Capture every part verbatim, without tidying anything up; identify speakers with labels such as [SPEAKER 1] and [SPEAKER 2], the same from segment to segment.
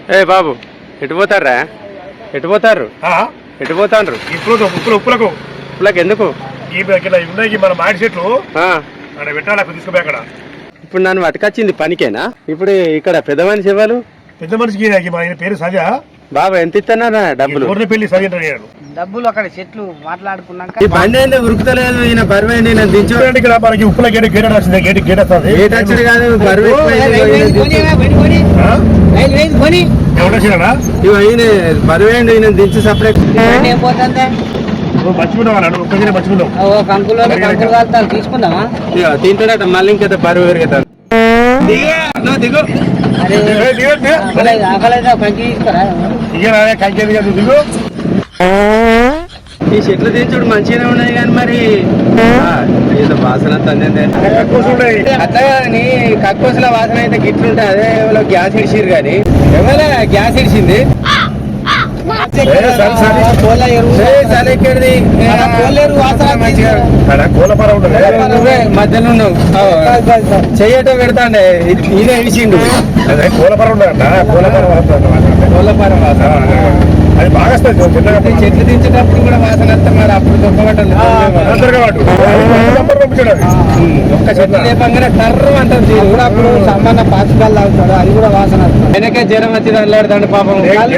[SPEAKER 1] ఏ బాబు ఎటు పోతారా? ఎటు పోతారు? ఎటు పోతాండ్రు?
[SPEAKER 2] ఇప్పుడు ఉప్పులు ఉప్పులకు
[SPEAKER 1] ఉప్పులకు ఎందుకు?
[SPEAKER 2] ఉన్నాయి మన మాడి చెట్లు అక్కడ పెట్టాలి, అక్కడ తీసుకుపోయి అక్కడ.
[SPEAKER 1] ఇప్పుడు నన్ను పట్టుకొచ్చింది పనికేనా? ఇప్పుడు ఇక్కడ పెద్ద మనిషి ఇవ్వాలి.
[SPEAKER 2] పెద్ద మనిషికి ఆయన పేరు సజా.
[SPEAKER 1] బాబా ఎంత ఇస్తున్నారా డబ్బులు?
[SPEAKER 2] పెళ్లి సజ
[SPEAKER 3] డబ్బులు అక్కడ చెట్లు మాట్లాడుకున్నాక
[SPEAKER 1] బండి అయితే ఉరుకుతలేదు. ఈయన బరువు ఏంటి? నేను దించు
[SPEAKER 2] ఇక్కడ మనకి ఉప్పుల గేట్ గేట్ వచ్చింది. గేట్ గేట్ వస్తుంది.
[SPEAKER 1] గేట్ వచ్చాడు కాదు, బరువు ఈయన బరువు ఏంటి? ఈయన దించు సపరేట్
[SPEAKER 3] తీసుకుందామా?
[SPEAKER 1] తింటాడట మళ్ళీ ఇంకైతే బరువు పెరుగుతాడు. దిగు
[SPEAKER 2] దిగు.
[SPEAKER 1] ఈ చెట్లు దించుడు మంచిగానే ఉన్నాయి కానీ మరి ఏదో వాసన అట్లా కానీ కక్కోసుల వాసన అయితే గిట్లుంటాయి. అదే ఎవరో గ్యాస్ ఇడిచిరు కానీ ఎవరో గ్యాస్ ఇడిచింది మధ్యలో ఉన్నావు చెయ్యటో పెడతాండే ఈయన ఇడిచిండు.
[SPEAKER 2] కోలపరం
[SPEAKER 1] కోలపరం వాసన
[SPEAKER 2] అది బాగా
[SPEAKER 1] చెట్లు దించేటప్పుడు కూడా వాసన వస్తాం. మరి అప్పుడు దొక్కబట్టాలి ఒక్క చెట్లు లేపంగానే టర్రం అంటారు. అప్పుడు సంబంధం పాచికాలు తాగుతాడు, అది కూడా వాసన వస్తుంది. ఆయనకే జ్వరం వచ్చి అల్లాడుతాడు పాపం.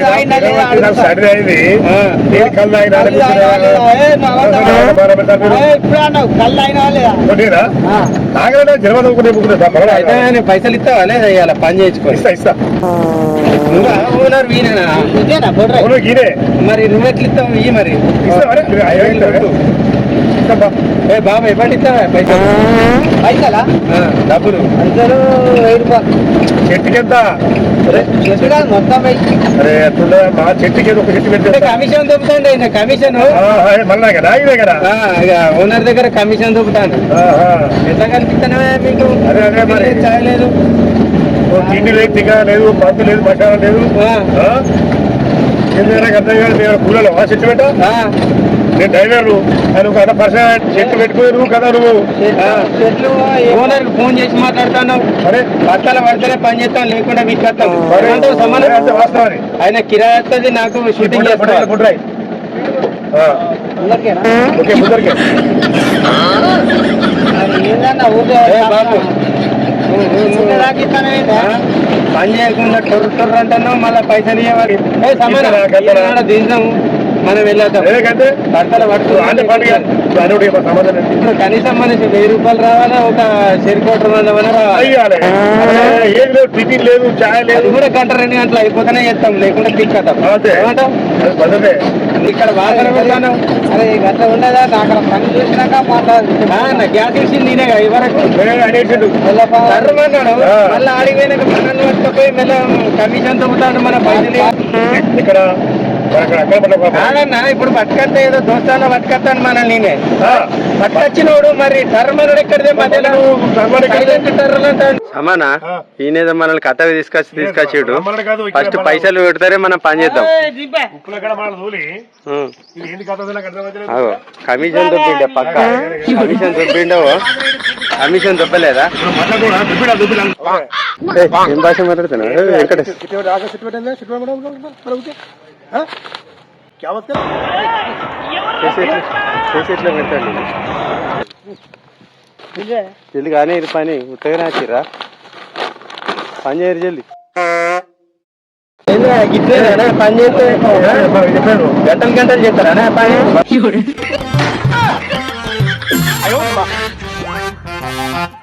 [SPEAKER 1] అయితే పైసలు ఇస్తావా లేదా? ఇవాళ పని చేయించుకో.
[SPEAKER 2] ఇస్తా
[SPEAKER 1] ఓనర్ వీనేనా? మరి నువ్వు ఎట్లా ఇస్తావు? ఇవి మరి ఏ బాబా ఎప్పటి ఇస్తావా పైసలు?
[SPEAKER 3] పైసలా?
[SPEAKER 1] డబ్బులు
[SPEAKER 3] అందరూ వెయ్యి రూపాయలు.
[SPEAKER 2] చెట్టుకి ఎంత?
[SPEAKER 3] మొత్తం
[SPEAKER 2] అరే మా చెట్టుకి ఒక చెట్టు పెట్టి
[SPEAKER 1] కమిషన్ దొబ్బుతాండి. కమిషన్
[SPEAKER 2] మళ్ళా కదా ఇదే కదా
[SPEAKER 1] ఓనర్ దగ్గర కమిషన్ దొబ్బుతాండి. ఎట్లా కనిపిస్తానే మీకు?
[SPEAKER 2] అదే అదే మరి
[SPEAKER 1] చాయలేదు,
[SPEAKER 2] తిండి లేదు, తిగా లేదు, మందు లేదు, మసాలా లేదు. అర్థం కాదు. మేము కూలలో చెట్టు పెట్టా. నేను డ్రైవర్లు ఆయన ఒక అర్ధ పర్సెంట్ చెట్టు పెట్టుకుని నువ్వు కదా నువ్వు
[SPEAKER 1] చెట్లు ఓనర్ ఫోన్ చేసి మాట్లాడుతున్నావు. అరే బట్టల పడితేనే పని చేస్తాను, లేకుండా మీకు వస్తాం.
[SPEAKER 2] వాస్తవాన్ని
[SPEAKER 1] ఆయన కిరాయి వస్తుంది, నాకు షూటింగ్ చేస్తాను.
[SPEAKER 2] పుట్రాయి ఓకే ముందరికే
[SPEAKER 1] బాబు పని చేయకుండా టొర్రు టొర్రు అంటున్నావు, మళ్ళీ పైసలు ఇవ్వాలి. దించాము మనం వెళ్ళేద్దాం. బట్టలు పట్టుకో. ఇప్పుడు కనీసం మనిషి వెయ్యి రూపాయలు రావాలా, ఒక చెరుకోట రావాలి.
[SPEAKER 2] టిఫిన్ లేదు, చాయ్ లేదు.
[SPEAKER 1] కూడా గంట రెండు గంటలు అయిపోతేనే చేస్తాం, లేకుండా తిక్కతాం. ఇక్కడ వాసన పెడతాను.
[SPEAKER 3] అరే గట్ల ఉండదా? అక్కడ పని చూసినాక మాట్లాడు.
[SPEAKER 1] గ్యాస్ ఇచ్చింది నేనే ఇవరకు
[SPEAKER 2] అనేసిండు.
[SPEAKER 1] అన్నాడు. మళ్ళీ ఆడిపోయినాక పనులు పట్టుకపోయి మళ్ళీ కమిషన్ తగ్గుతాడు. మన పైసలు
[SPEAKER 2] ఇక్కడ
[SPEAKER 1] కాదన్నా ఇప్పుడు పట్టుకొస్తే ఏదో దోస్తాలో పట్టుకొస్తాను మనల్ని. నేనే పట్టుకొచ్చినోడు మరి టర్మనుడు ఎక్కడిదే మధ్యలో సమానా. ఈయనేదో మనల్ని కథవి తీసుకొచ్చి తీసుకొచ్చాడు. ఫస్ట్ పైసలు పెడతారే మనం పని చేద్దాం. కమిషన్ దొబ్బిండే పక్క. కమిషన్ దొబ్బిండవు. కమిషన్ దొబ్బలేదా? ఏం భాష మాట్లాడుతున్నావు? వెంకటేష్ చేసేట్లో పెడతాడు. జల్ది కానీ ఇది పని ఉత్తగానే వచ్చిర్రా. పని చేయరు జల్ది. గిట్లేదా పని చేస్తే గంటలు గంటలు చేస్తారా పని?